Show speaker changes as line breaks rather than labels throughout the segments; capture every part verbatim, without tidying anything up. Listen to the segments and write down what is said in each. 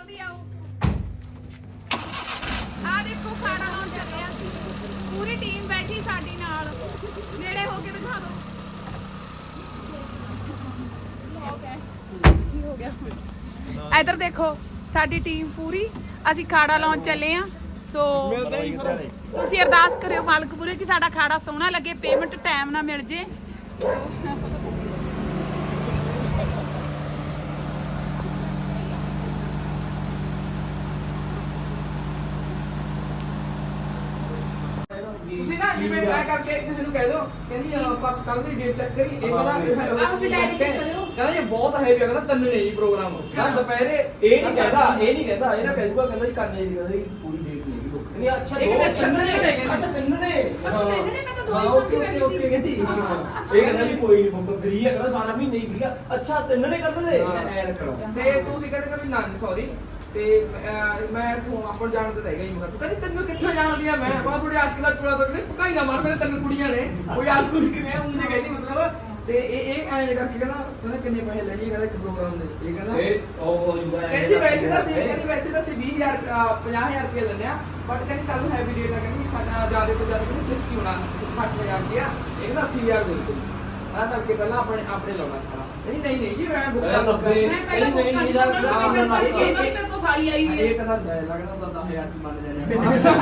ਜਲਦੀ ਆਓ। ਆ ਦੇਖੋ ਖਾਣਾ ਲਾਉਣ ਚੱਲੇ ਆ ਅਸੀਂ, ਪੂਰੀ ਟੀਮ ਬੈਠੀ ਸਾਡੀ ਨਾਲ। ਨੇੜੇ ਹੋ ਕੇ ਦਿਖਾ ਦਿਓ। ਕੀ ਹੋ ਗਿਆ? ਇੱਧਰ ਦੇਖੋ ਸਾਡੀ ਟੀਮ ਪੂਰੀ, ਅਸੀਂ ਖਾੜਾ ਲਾਉਣ ਚੱਲੇ ਆ। ਸੋ ਤੁਸੀਂ ਅਰਦਾਸ ਕਰਿਓ ਮਾਲਕ ਪੂਰੇ ਕਿ ਸਾਡਾ ਖਾੜਾ ਸੋਹਣਾ ਲੱਗੇ, ਪੇਮੈਂਟ ਟਾਈਮ ਨਾਲ ਮਿਲ ਜੇ।
ਤੁਸੀਂ ਨਾ ਜਿਵੇਂ ਮੈਂ ਕਰਕੇ ਕਿਸੇ ਨੂੰ ਕਹਿ ਦਿਓ ਕਹਿੰਦੀ ਆਪਾਂ ਕੱਲ ਦੀ ਡੇਟ ਚੈੱਕ ਕਰੀ ਇਹ ਕਹਿੰਦਾ
ਆਹ ਵੀ ਡਾਇਰੀ ਚੈੱਕ ਕਰਿਓ।
ਕਹਿੰਦਾ ਇਹ ਬਹੁਤ ਹੈਵੀ ਆ, ਕਹਿੰਦਾ ਤਿੰਨ ਨਹੀਂ ਪ੍ਰੋਗਰਾਮ ਕਹਿੰਦਾ ਦੁਪਹਿਰੇ
ਇਹ ਨਹੀਂ ਕਹਿੰਦਾ ਇਹ ਨਹੀਂ ਕਹਿੰਦਾ ਇਹ ਨਾ ਕਹਿੂਗਾ ਕਹਿੰਦਾ ਜੀ ਕਰਨੇ ਦੀ ਕਹਿੰਦਾ ਪੂਰੀ ਡੇਟ ਨਹੀਂ ਹੈਗੀ ਬੁੱਕ ਨਹੀਂ। ਅੱਛਾ
ਇਹ ਕਹਿੰਦਾ ਤਿੰਨ ਨੇ
ਅੱਛਾ ਤਿੰਨ ਨੇ
ਅੱਛਾ ਤਿੰਨ ਨੇ, ਮੈਂ ਤਾਂ ਦੋ ਹੀ
ਹਾਂ,
ਸਮਝੀ
ਓਕੇ
ਬੈਠੀ
ਓਕੇ
ਸੀ।
ਕਹਿੰਦੀ ਇਹ ਕਹਿੰਦਾ ਜੀ ਕੋਈ ਨਹੀਂ ਬੁੱਕ ਫ੍ਰੀ ਹੈ, ਕਹਿੰਦਾ ਸਾਰਾ ਮਹੀਨਾ ਹੀ ਫ੍ਰੀ ਆ। ਅੱਛਾ ਤਿੰਨ ਨੇ ਕਹਿੰਦੇ ਐ ਰੱਖਣਾ
ਤੇ ਤੁਸੀਂ ਕਹਿੰਦੇ ਕਿ ਨਾ ਸੌਰੀ ਤੇ ਅਹ, ਮੈਂ ਫੋਨ ਆਪਾਂ ਨੂੰ ਜਾਣ ਤੇ ਰਹਿ ਗਈ। ਮੈਂ ਕਿਹਾ ਕਹਿੰਦੀ ਤੈਨੂੰ ਕਿੱਥੋਂ ਜਾਣਦੀ ਆ? ਮੈਂ ਬਾ ਥੋੜੀ ਆਸ਼ਕ ਦਾ ਚੂੜਾ ਤੋਂ ਕਹਿੰਦੀ ਪਕਾਈ ਨਾ ਮਾਰ, ਮੇਰੇ ਤਿੰਨ ਕੁੜੀਆਂ ਨੇ ਕੋਈ ਆਸ਼ਕ ਉਸ਼ਕ ਨੇ ਉਹਨੇ ਕਹਿੰਦੀ ਮਤਲਬ। ਤੇ ਇਹ ਇਹ ਐਂ ਕਰਕੇ ਕਹਿੰਦਾ ਕਹਿੰਦਾ ਕਿੰਨੇ ਪੈਸੇ ਲੈਣੀ ਕਹਿੰਦਾ ਇੱਕ ਪ੍ਰੋਗਰਾਮ ਦੇ। ਇਹ ਕਹਿੰਦਾ
ਇਹ ਉਹ ਜੂਗਾ
ਕਹਿੰਦੀ ਵੈਸੇ ਤਾਂ ਸੀ ਕਹਿੰਦੀ ਵੈਸੇ ਤਾਂ ਅਸੀਂ ਵੀਹ ਹਜ਼ਾਰ ਪੰਜਾਹ ਹਜ਼ਾਰ ਰੁਪਏ ਲੈਂਦੇ ਆ, ਬਟ ਕਹਿੰਦੀ ਕੱਲ ਨੂੰ ਹੈਵੀ ਡੇਟ ਆ, ਕਹਿੰਦੀ ਸਾਡਾ ਜ਼ਿਆਦਾ ਤੋਂ ਜ਼ਿਆਦਾ ਕਹਿੰਦੀ ਸਿਕਸਟੀ ਹੋਣਾ ਸੱਠ ਹਜ਼ਾਰ ਰੁਪਇਆ, ਇਹ ਕਹਿੰਦਾ ਅੱਸੀ ਹਜ਼ਾਰ ਦੇ ਦਿਓ। ਮੈਂ ਤਾਂ ਕਿ ਪਹਿਲਾਂ ਆਪਣੇ ਆਪਣੇ ਲਾਉਣਾ ਖਾਣਾ। ਕਹਿੰਦੀ ਨਹੀਂ ਨਹੀਂ ਜੀ ਮੈਂ ਬੁੱਕ ਕਰ
ਨੱਬੇ
ਮੈਂ ਪਹਿਲਾਂ ਬੁੱਕ ਕਰ ਦਿੱਤਾ, ਉਹਨਾਂ ਨੂੰ ਮੈਂ ਕਿਹਾ ਮੇਰੇ ਕੋਲ ਸਾਈ ਆਈ ਹੋਈ ਹੈ।
ਇਹ ਕਹਿੰਦਾ ਲੈ ਲੱਗਦਾ ਤਾਂ ਦਸ ਹਜ਼ਾਰ ਚ ਮੰਨ ਲੈਣੇ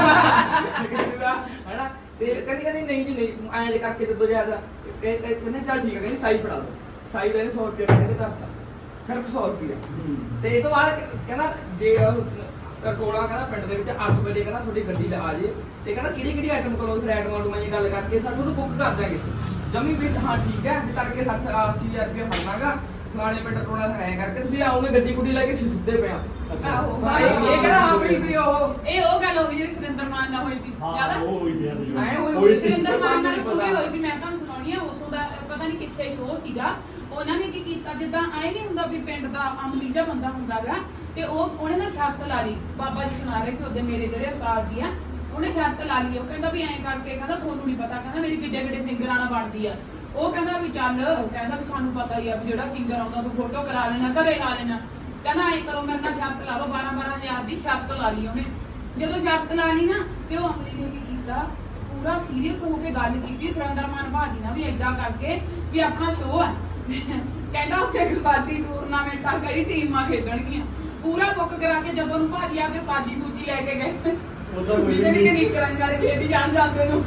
ਹੈਨਾ। ਤੇ ਕਹਿੰਦੀ ਕਹਿੰਦੀ ਨਹੀਂ ਜੀ ਨਹੀਂ ਐਂ ਜੇ ਕਰਕੇ ਤੇ ਦੋ ਜ਼ਿਆਦਾ ਕਹਿੰਦੇ ਚੱਲ ਠੀਕ ਹੈ, ਕਹਿੰਦੀ ਸਾਈ ਫੜਾ ਦੋ। ਸਾਈ ਦਾ ਸੌ ਰੁਪਏ ਕਹਿੰਦੇ ਧਰਤਾ ਸਿਰਫ ਸੌ ਰੁਪਏ। ਤੇ ਇਹ ਤੋਂ ਬਾਅਦ ਕਹਿੰਦਾ ਜੇ ਟੋਲਾ ਕਹਿੰਦਾ ਪਿੰਡ ਦੇ ਵਿੱਚ ਅੱਠ ਵਜੇ ਕਹਿੰਦਾ ਤੁਹਾਡੀ ਗੱਡੀ ਆ ਜੇ ਤੇ ਕਹਿੰਦਾ ਕਿਹੜੀ ਕਿਹੜੀ ਆਈਟਮ ਕੋਲੋਂ ਫਿਰ ਆਈਟਮਾਂ ਨੂੰ ਮੈਂ ਗੱਲ ਕਰਕੇ ਸਾਨੂੰ ਉਹਨੂੰ ਬੁੱਕ ਕਰ ਦਿਆਂਗੇ ਜਮੀ ਵੀ। ਹਾਂ ਠੀਕ ਹੈ ਵੀ ਤੜਕੇ ਸੱਠ ਅੱਸੀ ਹਜ਼ਾਰ ਰੁਪਏ ਫੜਨਾਗਾ ਫਲਾਣੇ ਪਿੰਡ ਟੋਲਾ ਐਂ ਕਰਕੇ ਤੁਸੀਂ ਆਓਗੇ ਗੱਡੀ ਗੁੱਡੀ ਲੈ ਕੇ ਅਸੀਂ ਸੁੱਤੇ ਪਏ ਆ।
ਆਹੋ
ਇਹ ਕਹਿੰਦਾ ਹਾਂ ਬਈ ਵੀ ਉਹ
ਇਹ ਉਹ ਗੱਲ ਹੋ ਗਈ ਜਿਹੜੀ ਸੁਰਿੰਦਰ ਮਾਨ ਨਾਲ ਹੋਈ ਸੀ। ਜ਼ਿਆਦਾ
ਉਹ ਹੋਈ ਜਾਂਦੀ
ਐਂ ਹੋਈ
ਸੁਰਿੰਦਰ ਮਾਨ ਨਾਲ ਪੂਰੀ ਹੋਈ ਸੀ। ਮੈਂ ਤੁਹਾਨੂੰ ਸੁਣਾਉਣੀ ਆ ਉੱਥੋਂ ਦਾ, ਪਤਾ ਨਹੀਂ ਕਿੱਥੇ ਸ਼ੋਅ ਸੀਗਾ। ਉਹਨਾਂ ਨੇ ਕੀ ਕੀਤਾ, ਜਿੱਦਾਂ ਐ ਨਹੀਂ ਹੁੰਦਾ ਵੀ ਪਿੰਡ ਦਾ ਅਮਲੀ ਜਿਹਾ ਬੰਦਾ ਹੁੰਦਾਗਾ ਤੇ ਉਹ ਉਹਨੇ ਨਾ ਸ਼ਰਤ ਲਾ ਲਈ। ਬਾਬਾ ਜੀ ਸੁਣਾ ਰਹੇ ਸੀ ਉਹਦੇ ਮੇਰੇ ਜਿਹੜੇ ਉਸਤਾਦ ਜੀ ਆ, ਉਹਨੇ ਸ਼ਰਤ ਲਾ ਲਈ। ਉਹ ਕਹਿੰਦਾ ਵੀ ਐਂ ਕਰਕੇ ਕਹਿੰਦਾ ਤੁਹਾਨੂੰ ਨਹੀਂ ਪਤਾ, ਕਹਿੰਦਾ ਮੇਰੀ ਕਿੱਡੇ ਕਿੱਡੇ ਸਿੰਗਰਾਂ ਨਾਲ ਬਣਦੀ ਆ। ਉਹ ਕਹਿੰਦਾ ਵੀ ਚੱਲ, ਕਹਿੰਦਾ ਵੀ ਸਾਨੂੰ ਪਤਾ ਹੀ ਆ ਵੀ ਜਿਹੜਾ ਸਿੰਗਰ ਆਉਂਦਾ ਤੂੰ ਫੋਟੋ ਕਰਾ ਲੈਣਾ, ਘਰੇ ਲਾ ਲੈਣਾ। ਕਹਿੰਦਾ ਐਂ ਕਰੋ ਮੇਰੇ ਨਾਲ ਸ਼ਰਤ ਲਾ ਲਓ, ਬਾਰਾਂ ਬਾਰਾਂ ਹਜ਼ਾਰ ਦੀ ਸ਼ਰਤ ਲਾ ਲਈ ਉਹਨੇ। ਜਦੋਂ ਸ਼ਰਤ ਲਾ ਲਈ ਨਾ ਤੇ ਉਹ ਅਮਲੀ ਨੇ ਕੀ ਕੀਤਾ, ਪੂਰਾ ਸੀਰੀਅਸ ਹੋ ਕੇ ਗੱਲ ਕੀਤੀ ਸੁਰਿੰਦਰ ਮਾਨ ਭਾਜੀ ਨਾਲ ਵੀ ਏਦਾਂ ਕਰਕੇ ਵੀ ਆਪਣਾ ਸ਼ੋਅ ਆ। ਕਹਿੰਦਾ ਉੱਥੇ ਕਬੱਡੀ ਟੂਰਨਾਮੈਂਟਾਂ ਕਈ ਟੀਮਾਂ ਖੇਡਣਗੀਆਂ, ਪੂਰਾ ਬੁੱਕ ਕਰਾ ਕੇ ਜਦੋਂ ਨੂੰ ਭਾਜੀ ਆ ਕੇ ਸਾਜੀ ਸੂਜੀ ਲੈ ਕੇ ਗਏ ਜਿਹੜੀ ਕਿ ਨਿਕਲਣ ਵਾਲੇ ਖੇਡੀ ਜਾਣ ਜਾਂਦੇ ਨੂੰ।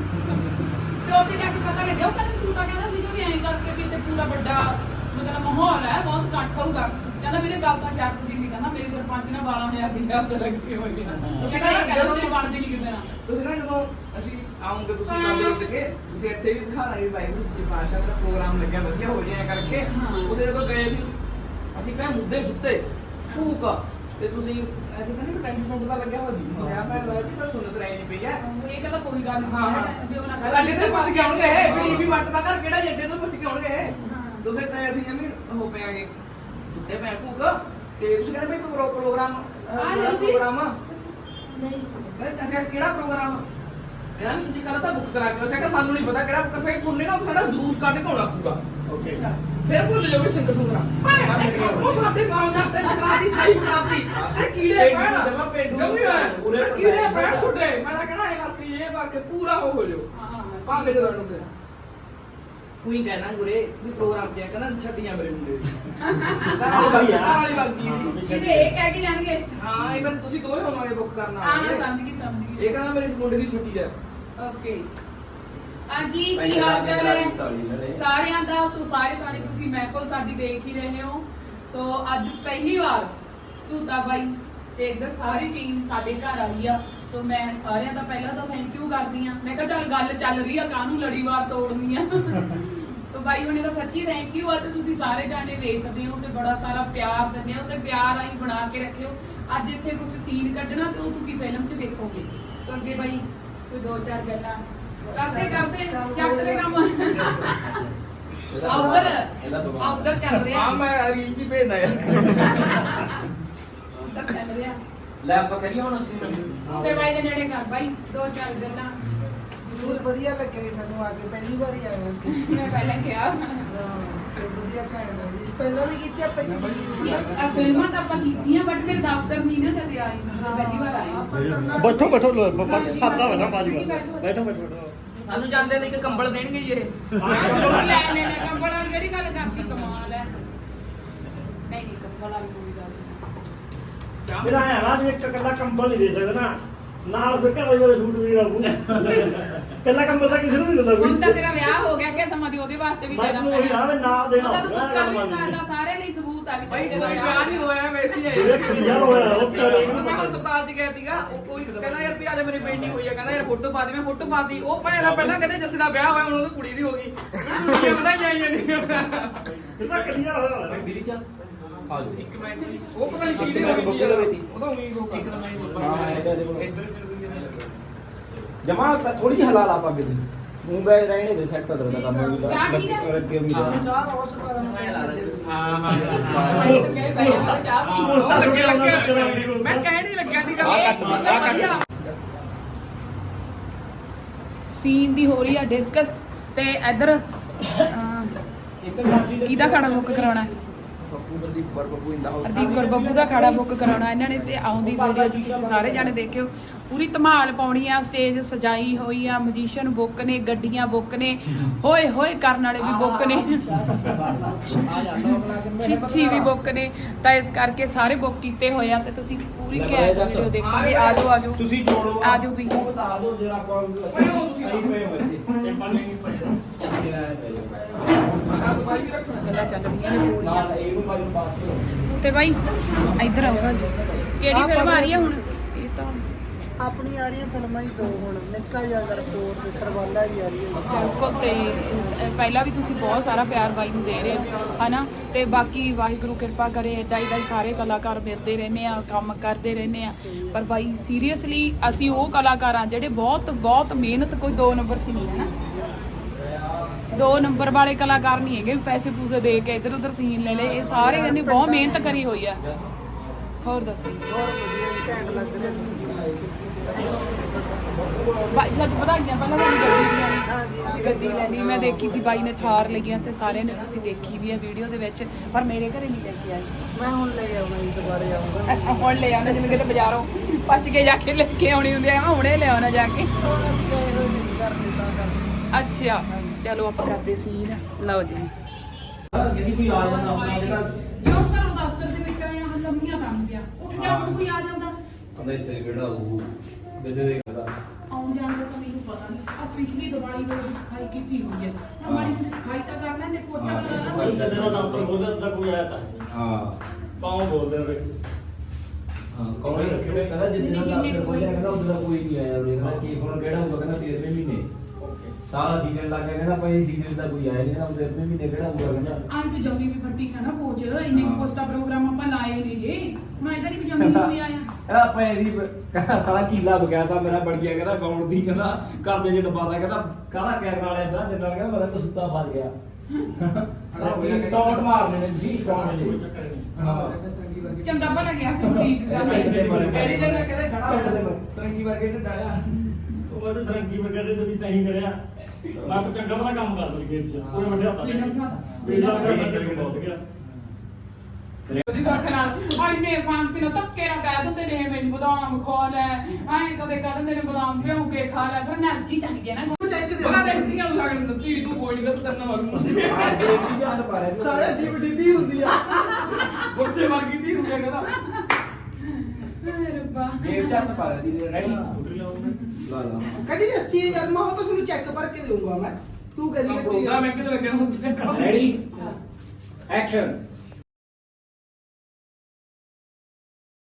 ਤੇ ਉੱਥੇ ਜਾ ਕੇ ਪਤਾ ਲੱਗਿਆ ਉਹ ਕਹਿੰਦਾ ਤੂੰ ਤਾਂ ਕਹਿੰਦਾ ਸੀਗਾ ਵੀ ਐਂ ਕਰਕੇ ਵੀ ਇੱਥੇ ਪੂਰਾ ਵੱਡਾ ਮਤਲਬ ਮਾਹੌਲ ਹੈ, ਬਹੁਤ ਇਕੱਠ ਹੋਊਗਾ। ਕਹਿੰਦਾ ਮੇਰੇ ਗੱਲ ਤਾਂ ਸ਼ਰਤ ਦੀ ਸੀ, ਕਹਿੰਦਾ ਮੇਰੇ ਸਰਪੰਚ ਨੇ ਬਾਰਾਂ ਹਜ਼ਾਰ ਦੀ ਸ਼ਰਤ ਰੱਖੀ ਹੋਈ ਹੈ। ਕਹਿੰਦਾ ਇਹ ਕਹਿੰਦਾ ਮੇਰੇ ਬਣਦੀ ਨਹੀਂ ਕਿਸੇ ਨਾਲ।
ਤੁਸੀਂ ਨਾ ਜਦੋਂ ਅਸੀਂ ਆਉਂਗੇ ਤੁਸੀਂ ਕੰਮ ਦੇ ਉੱਤੇ ਤੁਸੀਂ ਇੱਥੇ ਵੀ ਦਿਖਾਣਾ ਵੀ ਵਾਹਿਗੁਰੂ ਜੀ ਪਾਸ਼ਾ ਦਾ ਪ੍ਰੋਗਰਾਮ ਲੱਗਿਆ ਵਧੀਆ ਹੋ ਜਾਇਆ ਕਰਕੇ। ਉਹਦੇ ਜਦੋਂ ਗਏ ਸੀ ਅਸੀਂ ਕਹੇ ਮੁੱਦੇ ਸੁੱਤੇ ਭੂਕ ਤੇ ਤੁਸੀਂ ਇੱਥੇ ਕਹਿੰਦੇ ਕਿ ਟੈਂਟ ਫੋਨ ਦਾ ਲੱਗਿਆ ਹੋਇਆ ਜੀ ਮੈਂ ਮੈਂ ਵੀ ਤਾਂ ਸੁਣ ਸਰਾਈ ਨਹੀਂ ਪਈ ਆ।
ਇਹ ਕਹਿੰਦਾ ਕੋਈ ਗੱਲ
ਹਾਂ ਹਾਂ
ਨਹੀਂ ਵੀ ਉਹਨਾਂ ਦਾ
ਅੱਡੇ ਤੇ ਪੁੱਛ ਕੇ ਆਉਣਗੇ ਵੀ ਟੀਵੀ ਵੱਟ ਦਾ ਘਰ ਕਿਹੜਾ ਜੱਡੇ ਤੋਂ ਪੁੱਛ ਕੇ ਆਉਣਗੇ। ਦੋ ਫਿਰ ਤਾਂ ਅਸੀਂ ਐਵੇਂ ਹੋ ਪਿਆਗੇ ਸੁੱਤੇ ਪਏ ਭੂਕ। ਤੇ ਤੁਸੀਂ ਕਹਿੰਦੇ ਵੀ ਪ੍ਰੋਗਰਾਮ ਪ੍ਰੋਗਰਾਮ ਨਹੀਂ ਕਹਿੰਦੇ ਅਸੀਂ ਕਿਹੜਾ ਪ੍ਰੋਗਰਾਮ ਕਹਿੰਦਾ ਵੀ ਤੁਸੀਂ ਕੱਲ ਤਾਂ ਬੁੱਕ ਕਰਾ ਕੇ ਉਹ ਸਾਨੂੰ ਨਹੀਂ ਪਤਾ ਕਿਹੜਾ ਬੁੱਕ। ਫਿਰ ਤੁਹਾਨੂੰ ਨਾ ਸਾਡਾ ਜਲੂਸ ਕੱਢ ਕੇ ਆਉਣਾ ਪਊਗਾ।
ਓਕੇ
ਫਿਰ ਭੁੱਲ ਜਾਓਗੇ ਸਿੰਗਰ ਸੁੰਗਰਾ ਉਹ ਸਾਡੇ ਮਾਂ ਜਾਂਦੇ ਨਕਰਾ ਦੀ ਸਾਈ ਬਣਾਤੀ ਤੇ ਕੀੜੇ ਪੈਣ
ਜਮਾ ਪੇਂਡੂ
ਜਮੀ ਹੈ ਕੀੜੇ ਪੈਣ ਤੁਹਾਡੇ। ਮੈਂ ਤਾਂ ਕਹਿਣਾ ਇਹ ਕਰਕੇ ਇਹ ਕਰਕੇ ਪੂਰਾ ਹੋ ਹੋ ਜਾਓ ਭਾਵੇਂ ਤੇ ਲੜਨ ਦੇ ਕੋਈ ਕਹਿਣਾ ਗੁਰੇ ਵੀ ਪ੍ਰੋਗਰਾਮ ਤੇ ਕਹਿੰਦਾ ਛੱਡੀਆਂ ਮੇਰੇ ਮੁੰਡੇ ਦੀ ਕਾਲੀ ਕਾਲੀ ਬਾਗੀ ਦੀ
ਕਿਤੇ ਇਹ ਕਹਿ ਕੇ ਜਾਣਗੇ
ਹਾਂ ਇਹ ਤੁਸੀਂ ਦੋਵੇਂ ਹੋਵਾਂਗੇ ਬੁੱਕ ਕਰਨਾ।
ਹਾਂ ਹਾਂ ਸਮਝ ਗਈ ਸਮਝ ਗਈ।
ਇਹ ਕਹਿੰਦਾ ਮੇਰੇ ਮੁੰਡੇ ਦੀ ਛੁੱਟੀ ਹੈ।
ਓਕੇ ਹਾਂਜੀ ਕੀ ਹਾਲ ਚਾਲ ਹੈ ਸਾਰਿਆਂ ਦਾ? ਸੋ ਸਾਰੇ ਤੁਹਾਡੀ ਤੁਸੀਂ ਮਹਿਫਲ ਸਾਡੀ ਦੇਖ ਹੀ ਰਹੇ ਹੋ। ਸੋ ਅੱਜ ਪਹਿਲੀ ਵਾਰ ਤੂਤਾ ਬਾਈ ਤੇ ਇੱਧਰ ਸਾਰੀ ਟੀਮ ਸਾਡੇ ਘਰ ਆਈ ਆ। ਸੋ ਮੈਂ ਸਾਰਿਆਂ ਦਾ ਪਹਿਲਾਂ ਤਾਂ ਥੈਂਕ ਯੂ ਕਰਦੀ ਆ। ਮੈਂ ਕਿਹਾ ਚੱਲ ਗੱਲ ਚੱਲ ਰਹੀ ਆ ਕਾਹਨੂੰ ਲੜੀਵਾਰ ਤੋੜਨੀ ਆ। ਸੋ ਬਾਈ ਹੁਣੇ ਦਾ ਸੱਚੀ ਥੈਂਕ ਯੂ ਆ ਤੇ ਤੁਸੀਂ ਸਾਰੇ ਜਾਣੇ ਦੇਖਦੇ ਹੋ ਤੇ ਬੜਾ ਸਾਰਾ ਪਿਆਰ ਦਿੰਦੇ ਹੋ ਤੇ ਪਿਆਰ ਆਈ ਬਣਾ ਕੇ ਰੱਖਿਓ। ਅੱਜ ਇੱਥੇ ਕੁਝ ਸੀਨ ਕੱਢਣਾ ਤੇ ਉਹ ਤੁਸੀਂ ਫਿਲਮ 'ਚ ਦੇਖੋਗੇ। ਸੋ ਅੱਗੇ ਬਾਈ ਕੋਈ ਦੋ ਚਾਰ ਗੱਲਾਂ ਕਰਦੇ ਕਰਦੇ ਚੱਕ ਦੇ ਕੰਮ ਆਉਦਰ ਆਉਦਰ ਚੱਲ ਰਿਹਾ।
ਹਾਂ ਮੈਂ ਰੀਲ ਜੀ ਭੇਜਦਾ ਯਾਰ
ਆਉਦਰ ਚੱਲ ਰਿਹਾ।
ਲੈ ਆਪਾਂ ਕਰੀਏ ਹੁਣ ਅਸੀਂ
ਤੇ ਬਾਈ ਦੇ ਨੇੜੇ ਕਰ ਬਾਈ ਦੋ ਚਾਰ ਗੱਲਾਂ।
ਜ਼ਰੂਰ ਵਧੀਆ ਲੱਗਿਆ ਜੀ ਸਾਨੂੰ ਆ ਕੇ ਪਹਿਲੀ ਵਾਰ ਹੀ ਆਏ ਸੀ।
ਮੈਂ ਪਹਿਲਾਂ ਕਿਹਾ
ਤੇ ਵਧੀਆ ਵਧੀਆ ਘੈਂਟ movie ਸੀ। ਪਹਿਲਾਂ ਵੀ ਕੀਤੀ ਆਪਾਂ ਇੱਕ
ਇਹ ਫਿਲਮਾਂ ਤਾਂ ਆਪਾਂ ਕੀਤੀਆਂ ਬਟ ਮੇਰੇ ਦਫ਼ਤਰ ਨਹੀਂ ਨਾ ਕਦੇ ਆਈ ਪਹਿਲੀ ਵਾਰ ਆਈ
ਬੈਠੋ ਬੈਠੋ ਬਸ ਖਾਤਾ ਬਣਾ ਬਾਜੀ ਬੈਠੋ ਬੈਠੋ ਬੈਠੋ
ਸਾਨੂੰ ਜਾਂਦੇ ਨੇ ਇੱਕ ਕੰਬਲ ਦੇਣਗੇ ਜੀ ਇਹ
ਲੈ ਲੈ ਲੈ ਕੰਬਲ ਵਾਲੀ ਕਿਹੜੀ ਗੱਲ ਕਰਦੀ ਕਮਾਲ ਹੈ ਨਹੀਂ ਨਹੀਂ ਕੰਬਲ ਵਾਲੀ ਕੋਈ ਗੱਲ ਨਹੀਂ
ਮੇਰਾ ਹੈ ਨਾ ਜੇ ਇੱਕ ਕੱਲਾ ਕੰਬਲ ਨਹੀਂ ਦੇ ਸਕਦਾ ਨਾ ਨਾਲ ਫਿਰ ਘਰ ਵਾਲੇ ਸੂਟ ਵੀ ਰਹੂ ਕੱਲਾ ਕੰਬਲ ਤਾਂ ਕਿਸੇ ਨੂੰ ਨਹੀਂ ਦਿੰਦਾ
ਹੁਣ
ਕੋਈ
ਤਾਂ ਤੇਰਾ ਵਿਆਹ ਹੋ ਗਿਆ ਕਿ ਸਮਾਂ ਦੀ ਉਹਦੇ ਵਾਸਤੇ ਵੀ ਦੇਣਾ
ਮੈਂ ਉਹੀ ਆ ਮੈਂ ਨਾ ਦੇਣਾ
ਉਹਦਾ ਤੂੰ
ਹੋਊਗਾ,
ਤੁੱਕਾ ਵੀ
ਗੱਲ
ਸਾਡਾ ਸਾਰੇ ਲਈ ਸਬੂਤ ਆ ਵੀ
ਭਾਈ
ਤੇਰੇ
ਕੋਈ
ਨਾਲ
ਵਿਆਹ ਨਹੀਂ ਹੋਇਆ ਵੈਸੇ ਹੀ
ਜਿਹੜੇ ਕਲੀਆ ਹੋਇਆ ਉਹ ਤੇਰੇ
ਮੈਂ ਹਸਪਤਾਲ ਚ ਗਿਆ ਸੀਗਾ ਉਹ ਕੋਈ ਕਹਿੰਦਾ ਯਾਰ ਵੀ ਅੱਜ ਮੇਰੀ ਬੇਟੀ ਹੋਈ ਆ ਕਹਿੰਦਾ ਯਾਰ ਫੋਟੋ ਪਾ ਦੇ ਮੈਂ ਫੋਟੋ ਪਾਤੀ ਉਹ ਭੈਣ ਦਾ ਪਹਿਲਾਂ ਕਹਿੰਦੇ ਜੱਸੇ ਦਾ ਵਿਆਹ ਹੋਇਆ ਹੁਣ ਉਹਦੀ ਕੁੜੀ ਵੀ ਹੋ ਗਈ ਕੁੜੀਆਂ ਪਤਾ ਜਾਈ ਜਾਂਦੀਆਂ
ਕਿੰਨਾ ਕਲੀਆ ਹੋਇਆ ਹੋਇਆ
ਬਿਲੀ ਚਾ ਆ ਜਾਓ
ਇੱਕ ਮਿੰਟ ਉਹ ਪਤਾ ਨਹੀਂ ਕਿਹਦੇ ਹੋ ਗਈ ਉਹਦਾ ਉਮੀਦ ਹੋ ਇੱਕ
ਹਾਂ ਇਹਦਾ ਦੇਖੋ ਜਮਾ ਥੋੜੀ ਜਿਹੀ ਹਲਾ ਲਾ ਪੱਗ ਦੀ ਮੂੰਹ ਬੈ ਰਹਿਣੇ ਦੇ ਸੈੱਟ ਕਰ ਦਾ ਕੰਮ ਵੀ
ਚਾਹ ਠੀਕ ਹੈ?
ਅੱਗੇ ਵੀ ਦਾ
ਚਾਹ ਰੋਸ ਪਾ
ਹਾਂ ਹਾਂ
ਭਾਈ ਤਾਂ ਕਹੇ ਭਾਈ ਆਪਾਂ ਚਾਹ ਪੀ
ਉਹ ਲੱਗੇ ਲੱਗੇ ਮੈਂ ਕਹਿ ਨਹੀਂ ਲੱਗਿਆ ਦੀ ਗੱਲ ਵਧੀਆ
ਸੀਨ ਦੀ ਹੋ ਰਹੀ ਆ ਡਿਸਕਸ ਤੇ ਇੱਧਰ ਕਿਹਦਾ ਖਾਣਾ ਬੁੱਕ ਕਰਾਉਣਾ ਹੈ
ਬੱਬੂ ਬੰਦੀ ਪਰ ਬੱਬੂ ਇੰਦਾ ਹਾਊਸ
ਹਰਦੀਪ ਕੌਰ ਬੱਬੂ ਦਾ ਖਾਣਾ ਬੁੱਕ ਕਰਾਉਣਾ ਇਹਨਾਂ ਨੇ ਤੇ ਆਉਂਦੀ ਵੀਡੀਓ 'ਚ ਤੁਸੀਂ ਸਾਰੇ ਜਾਣੇ ਦੇਖਿਓ ਪੂਰੀ ਧਮਾਲ ਪਾਉਣੀ ਆ ਸਟੇਜ ਸਜਾਈ ਹੋਈ ਆ ਮਜੀਸ਼ੀਅਨ ਬੁੱਕ ਨੇ ਗੱਡੀਆਂ ਬੁੱਕ ਨੇ ਹੋਏ ਹੋਏ ਕਰਨ ਵਾਲੇ ਵੀ ਬੁੱਕ ਨੇ ਚੀਚੀ ਵੀ ਬੁੱਕ ਨੇ ਤਾਂ ਇਸ ਕਰਕੇ ਸਾਰੇ ਬੁੱਕ ਕੀਤੇ ਹੋਏ ਆ ਤੇ ਤੁਸੀਂ ਪੂਰੀ ਘੈਂਟ ਵੀਡੀਓ ਦੇਖੋਗੇ ਆ ਜਾਓ ਆ ਜਾਓ
ਤੁਸੀਂ ਜੋੜੋ
ਆ ਜਾਓ ਵੀ
ਉਹ ਬਤਾ ਦਿਓ ਜਿਹੜਾ ਆਪਾਂ ਸਹੀ ਪਏ ਹੋਏ ਨੇ ਇਹ ਪੱਲੇ ਨਹੀਂ ਪਏ
ਗੱਲਾਂ ਚੱਲ ਰਹੀਆਂ ਨੇ ਪੂਰੀਆਂ
ਨਾਲ ਇਹਨੂੰ ਬਾਈ ਨੂੰ ਬਾਤ ਕਰੋ
ਤੇ ਬਾਈ ਇੱਧਰ ਆਓ ਕਿਹੜੀ ਫਿਲਮ ਆ ਰਹੀ ਆ ਹੁਣ ਇਹ ਤਾਂ
ਆਪਣੀ ਆ ਰਹੀਆਂ ਫਿਲਮਾਂ ਹੀ ਦੋ ਹੁਣ ਨਿੱਕਾ ਜਿਹਾ ਰਿਪੋਰਟ ਤੇ ਸਰਵਾਲਾ ਹੀ ਆ ਰਹੀ ਹੈ
ਬਿਲਕੁਲ ਤੇ ਇਸ- ਪਹਿਲਾਂ ਵੀ ਤੁਸੀਂ ਬਹੁਤ ਸਾਰਾ ਪਿਆਰ ਬਾਈ ਨੂੰ ਦੇ ਰਹੇ ਹੋ ਹਨਾ ਤੇ ਬਾਕੀ ਵਾਹਿਗੁਰੂ ਕਿਰਪਾ ਕਰੇ ਇਦਾਂ ਇਦਾਂ ਹੀ ਸਾਰੇ ਕਲਾਕਾਰ ਮਿਲਦੇ ਰਹਿੰਦੇ ਆ ਕੰਮ ਕਰਦੇ ਰਹਿੰਦੇ ਆ ਪਰ ਬਾਈ ਸੀਰੀਅਸਲੀ ਅਸੀਂ ਉਹ ਕਲਾਕਾਰ ਆ ਜਿਹੜੇ ਬਹੁਤ ਬਹੁਤ ਮਿਹਨਤ ਕੋਈ ਦੋ ਨੰਬਰ 'ਚ ਨਹੀਂ ਹੈ ਨਾ ਦੋ ਨੰਬਰ ਵਾਲੇ ਕਲਾਕਾਰ ਨਹੀਂ ਹੈਗੇ ਵੀ ਪੈਸੇ ਪੂਸੇ ਦੇ ਕੇ ਇੱਧਰ ਉੱਧਰ ਸੀਨ ਲੈ ਲਏ ਇਹ ਸਾਰੇ ਇਹਨੇ ਬਹੁਤ ਮਿਹਨਤ ਕਰੀ ਹੋਈ ਆ ਹੋਰ ਦੱਸੋ ਜੀ।
ਬਹੁਤ ਵਧੀਆ ਘੈਂਟ ਲੱਗ ਰਿਹਾ ਤੁਸੀਂ
ਬਾਈ ਲੱਗ ਵਧਾਈਆਂ ਪਹਿਲਾਂ ਤੁਹਾਨੂੰ ਗੱਡੀ ਦੀਆਂ
ਹਾਂਜੀ
ਤੁਸੀਂ ਗੱਡੀ ਲੈ ਲਈ ਮੈਂ ਦੇਖੀ ਸੀ ਬਾਈ ਨੇ ਥਾਰ ਲਈਆਂ ਤੇ ਸਾਰਿਆਂ ਨੇ ਤੁਸੀਂ ਦੇਖੀ ਵੀ ਹੈ ਵੀਡੀਓ ਦੇ ਵਿੱਚ ਪਰ ਮੇਰੇ ਘਰੇ ਨਹੀਂ ਲੈ ਕੇ ਆਈ
ਮੈਂ ਹੁਣ ਲੈ ਆਉਣਾ ਜੀ ਦੁਬਾਰੇ ਆਉਂਗਾ
ਅ- ਹੁਣ ਲੈ ਆਉਣਾ ਜਿਵੇਂ ਕਿਤੇ ਬਾਜ਼ਾਰੋਂ ਪੱਜ ਕੇ ਜਾ ਕੇ ਲੈ ਕੇ ਆਉਣੀ ਹੁੰਦੀ ਆ ਮੈਂ ਹੁਣੇ ਲੈ ਆਉਣਾ ਜਾ ਕੇ
ਹੁਣ ਅਸੀਂ ਗਏ ਹੋਏ ਨਹੀਂ ਕਰਦੇ ਤਾਂ ਕਰਕੇ
ਅੱਛਾ ਚਲੋ ਆਪਾਂ ਕਰਦੇ ਸੀਨ ਲਓ ਜੀ
ਜਿਹੜੀ ਕੋਈ ਆ ਜਾਂਦਾ ਆਪਣਾ ਜਿਹੜਾ
ਜੋ ਘਰੋਂ ਦਫ਼ਤਰ ਦੇ ਵਿੱਚ ਆਇਆ ਹਾਂ ਲੰਮੀਆਂ ਕੰਮ ਪਿਆ ਉੱਠ ਜਾ ਹੁਣ ਕੋਈ ਆ ਜਾਂਦਾ
ਕਹਿੰਦਾ ਇੱਥੇ ਕਿਹੜਾ ਉਹ ਦੇ ਦੇ ਕਰਦਾ
ਆਉਣ ਜਾਣ ਦਾ ਤਾਂ ਮੈਨੂੰ ਪਤਾ ਨਹੀਂ ਆ ਪਿਛਲੀ ਦੀਵਾਲੀ ਤੋਂ ਸਫਾਈ ਕੀਤੀ ਹੋਈ ਹੈ ਹਮਾਰੀ ਨੂੰ ਸਫਾਈ ਤਾਂ ਕਰਨਾ ਨੇ ਪੋਚਾ
ਹਾਂ,
ਲਗਾਉਣਾ
ਸਫਾਈ
ਜਦ ਦਾ ਦਫ਼ਤਰ ਬੋਲਦਾ ਤਾਂ ਕੋਈ ਆਇਆ ਤਾਂ
ਹਾਂ
ਪਾਉ ਬੋਲਦੇ ਨੇ
ਹਾਂ ਕੌਣੇ ਰੱਖੇ ਹੋਏ ਕਹਿੰਦਾ ਜਿੰਨਾ ਦਾ ਆਪਣੇ ਕੋਲ ਕਹਿੰਦਾ ਉਹਦਾ ਕੋਈ ਨਹੀਂ ਆਇਆ ਉਹਨੇ ਕਹਿੰਦਾ ਕੀ ਹੁਣ ਕਿਹੜਾ ਹੋਊਗਾ ਕਹਿੰਦਾ ਤੇਰਵੇਂ ਮਹੀਨੇ ਸਾਰਾ ਸੀਜ਼ਨ ਲੱਗ ਗਿਆ ਕਹਿੰਦਾ ਭਾਈ ਸੀਜ਼ਨ ਦਾ ਕੋਈ ਆਇਆ ਨਹੀਂ ਕਹਿੰਦਾ ਤੇਰਵੇਂ ਮਹੀਨੇ ਕਿਹੜਾ ਹੋਊਗਾ ਕਹਿੰਦਾ
ਆਈ ਤਾਂ ਜੰਮੀ ਵੀ ਫੱਟੀ ਹੈ ਨਾ ਪੋਚ ਇੰਨੇ
ਹਾਂ।
ਕੋਸਟਾ ਪ੍ਰੋਗਰਾਮ ਆਪਾਂ ਲਾਏ ਨੇ ਜੇ ਹੁਣ ਇਧਰ ਹੀ ਵੀ ਜੰਮੀ ਨਹੀਂ ਕੋਈ ਆਇਆ
ਕਹਿੰਦਾ ਆਪਾਂ ਇਹਦੀ ਕਹਿੰਦਾ ਸਾਲਾ ਕੀਲਾ ਬਗਿਆ ਤਾਂ ਮੇਰਾ ਬੜ ਗਿਆ ਕਹਿੰਦਾ ਗਾਉਣ ਦੀ ਕਹਿੰਦਾ ਕਰਦੇ ਚ ਡੱਬਾ ਦਾ ਕਹਿੰਦਾ ਕਾਹਦਾ ਕੈਮਰਾ ਵਾਲਿਆ ਦਾ ਜਨਰਲ ਕਹਿੰਦਾ ਮੈਂ ਤਾਂ ਸੁੱਤਾ ਫਸ ਗਿਆ ਟੌਟ ਮਾਰਨੇ ਨੇ ਜੀ ਕੌਣ ਨੇ ਹਾਂ
ਚੰਗਾ ਭਲਾ ਗਿਆ ਸੀ ਬੁਟੀਕ ਦਾ
ਕਿਹੜੀ ਜਗ੍ਹਾ ਕਹਿੰਦੇ ਖੜਾ ਸਰੰਗੀ ਵਰਗੇ ਨੇ ਡਾਲਿਆ
ਉਹ ਮੈਂ ਤਾਂ ਸਰੰਗੀ ਵਗੈਰੇ ਤੇ ਵੀ ਤਾਂ ਹੀ ਕਰਿਆ ਮੈਂ ਤਾਂ ਚੰਗਾ ਵਾਲਾ ਕੰਮ ਕਰਦਾ ਖੇਤ ਚ ਕੋਈ ਵੱਡਿਆ ਤਾਂ
ਬਿਨਾਂ ਉਠਾ
ਬਿਨਾਂ ਕਰਕੇ ਬਹੁਤ ਗਿਆ
ਉਹਦੀ ਸੱਖ ਨਾਲ ਆਈ ਨੇ ਪੰਜ ਦਿਨ ਧੱਕੇ ਨਾਲ ਕਹਿ ਦਿੰਦੇ ਨੇ ਮੈਨੂੰ ਬਦਾਮ ਖਾ ਲੈ ਐਂ ਕਦੇ ਕਹਿ ਦਿੰਦੇ ਨੇ ਬਦਾਮ ਭਿਉਂ ਕੇ ਖਾ ਲੈ ਫਿਰ એનર્ਜੀ ਚਾਹੀਦੀ ਹੈ ਨਾ
ਚੈੱਕ ਦੇ
ਬੜਾ ਦੇਖਦੀਆਂ ਨੂੰ ਲੱਗਣ ਦਿੱਤੀ ਤੂੰ ਕੋਈ ਨਹੀਂ ਤਾਂ ਤੈਨੂੰ ਮਾਰੂ
ਸਾਰੇ ਡੀਵੀਡੀ ਦੀ ਹੁੰਦੀ ਆ
ਬੱਚੇ ਵਰਗੀ ਦੀ ਹੁੰਦੀ ਆ ਕਹਿੰਦਾ
ਹਾਏ ਰੱਬਾ
ਜੇਬ ਚ ਹੱਥ ਪਾ ਰਹੀ ਦੀ ਰੈਡੀ
ਸਕੂਟਰੀ ਲਾਉਂਗਾ
ਲਾ ਲਾ
ਕਦੀ ਅੱਸੀ ਹਜ਼ਾਰ ਮੈਂ ਉਹ ਤਾਂ ਤੁਹਾਨੂੰ ਚੈੱਕ ਕਰਕੇ ਦੇਊਂਗਾ ਮੈਂ ਤੂੰ ਕਦੀ
ਪ੍ਰੋਗਰਾਮ ਇੱਕ ਤੇ ਲੱਗਿਆ ਹੁੰਦਾ
ਰੈਡੀ ਐਕਸ਼ਨ